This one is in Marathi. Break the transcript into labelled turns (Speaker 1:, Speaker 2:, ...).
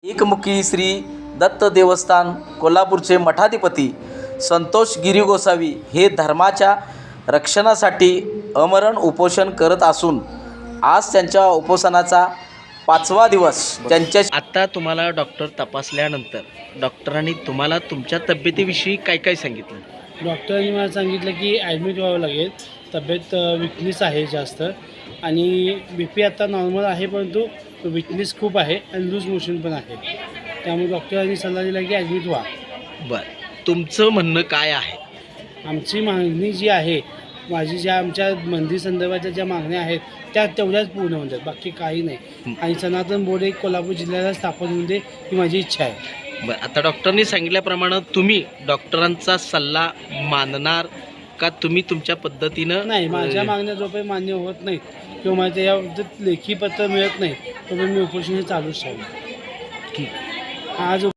Speaker 1: एकमुखी श्री दत्त देवस्थान कोल्हापूरचे मठाधिपती संतोष गिरी गोसावी हे धर्माच्या रक्षणासाठी अमरण उपोषण करत असून आज त्यांच्या उपोषणाचा 5वा दिवस. त्यांच्या
Speaker 2: आता तुम्हाला डॉक्टर तपासल्यानंतर डॉक्टरांनी तुम्हाला तुमच्या तब्येतीविषयी काय काय सांगितलं?
Speaker 3: डॉक्टरांनी मला सांगितलं की ॲडमिट व्हावं लागेल, तब्येत विकनेस आहे जास्त आणि BP आता नॉर्मल आहे, परंतु विकनेस खूप आहे आणि लूज मोशन पण आहे. त्यामुळे डॉक्टरांनी सल्ला दिला की ॲडमिट व्हा.
Speaker 2: बरं, तुमचं म्हणणं काय आहे?
Speaker 3: आमची मागणी जी आहे, आमच्या मंदिर संदर्भाच्या ज्या मागण्या आहेत त्या तेवढ्याच पूर्ण होतात, बाकी काही नाही. आणि सनातन बोर्ड एक कोल्हापूर जिल्ह्याला स्थापन होऊन दे ही माझी इच्छा आहे.
Speaker 2: बरं, आता डॉक्टरनी सांगितल्याप्रमाणे तुम्ही डॉक्टरांचा सल्ला मानणार का तुम्ही तुमच्या पद्धतीनं?
Speaker 3: नाही, माझ्या मागण्या जोपर्यंत मान्य होत नाहीत किंवा मला त्याबाबतीत लेखी पत्र मिळत नाही तोपर्यंत मी उपोषण हे चालूच ठेवलं.
Speaker 2: ठीक.
Speaker 3: आज